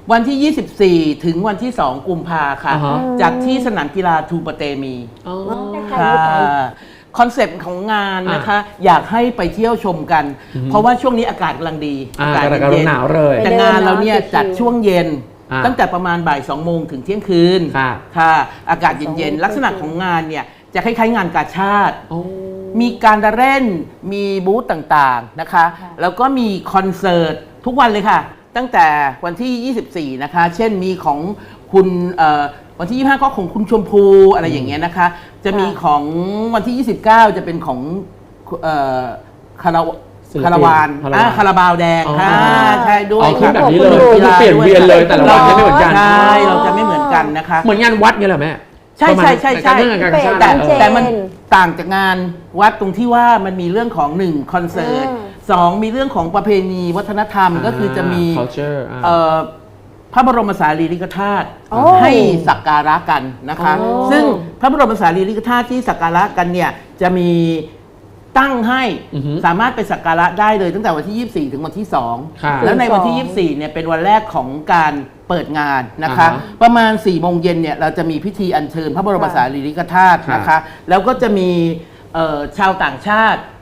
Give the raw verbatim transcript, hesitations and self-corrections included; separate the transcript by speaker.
Speaker 1: วันที่ ยี่สิบสี่ ถึงวันที่ สอง กุมภาค่ะ
Speaker 2: อ่าฮะ
Speaker 1: จากที่สนามกีฬาทูปะเตมี
Speaker 2: อ๋อ
Speaker 1: ค่ะคอนเซปต์ของงานนะคะ อยากให้ไปเที่ยวชมกัน
Speaker 2: อือฮึ
Speaker 1: เพราะว่าช่วงนี้อากาศกำลังดี
Speaker 2: อ่ากำลัง
Speaker 1: เย็น
Speaker 2: หนาวเลย
Speaker 1: แต่งานเราเนี่ยจัดช่วงเย็น
Speaker 2: อ่า
Speaker 1: ตั้งแต่ประมาณบ่ายสองโมงถึงเที่ยงคืน
Speaker 2: ค่ะ
Speaker 1: ค่ะ อากาศเย็นๆ ลักษณะของงานเนี่ยจะคล้ายๆงานกาชาติ
Speaker 2: อ๋อ
Speaker 1: มีการเล่น มีบูธต่างๆนะคะ แล้วก็มีคอนเสิร์ตทุกวันเลยค่ะ ตั้งแต่วันที่ ยี่สิบสี่ นะคะ เช่นมีของคุณเอ่อวันที่ ยี่สิบห้า ก็ของคุณชมพูอะไรอย่างเงี้ยนะคะ จะมีของวันที่ ยี่สิบเก้า จะเป็นของเอ่อคาราว
Speaker 2: ศิลปิน
Speaker 1: คาราวาน
Speaker 2: คาราวาน
Speaker 1: อ่าคาราบาวแดง
Speaker 2: อ๋อ
Speaker 1: ค่ะใช่ด้วย
Speaker 2: อ๋อคือ
Speaker 1: ค่ะ
Speaker 2: แบบนี้เลย
Speaker 1: กีฬา
Speaker 2: คือเปลี่ยนเวียนเลยแต่ละวันไม่เหมือนกัน
Speaker 1: ใช่เราจะไม่เหมือนกันนะคะ
Speaker 2: เหมือนงานวัดเงี้ยเหรอแม่
Speaker 1: ใช่ใช่ใช่ใช่
Speaker 2: เรื่องการกาชาติ
Speaker 1: แต่
Speaker 2: เออ
Speaker 1: แต่มันต่างจากงานวัดตรงที่ว่ามันมีเรื่องของหนึ่งคอนเสิร์ต
Speaker 3: อืม
Speaker 1: สองมีเรื่องของประเพณีวัฒนธรรมก็คือจะมี
Speaker 2: culture อ่า
Speaker 1: เอ่อพระบรมสารีริกธาตุ
Speaker 3: โอ้
Speaker 1: ให้สักการะกันนะคะ
Speaker 2: อ๋อ
Speaker 1: ซึ่งพระบรมสารีริกธาตุที่สักการะกันเนี่ยจะมีตั้งให้
Speaker 2: อือฮึ
Speaker 1: สามารถไปสักการะได้เลยตั้งแต่วันที่ ยี่สิบสี่ ถึงวันที่สอง
Speaker 2: ค่ะ
Speaker 1: แล้วในวันที่ ยี่สิบสี่ เนี่ยเป็นวันแรกของการเปิดงานนะคะ
Speaker 2: อ่าฮะ
Speaker 1: ประมาณ4ี่โมงเย็นเนี่ยเราจะมีพิธีอัญเชิญพระบรมสารีริกธาตุนะคะ แล้วก็จะมีเอ่อชาวต่างชาติ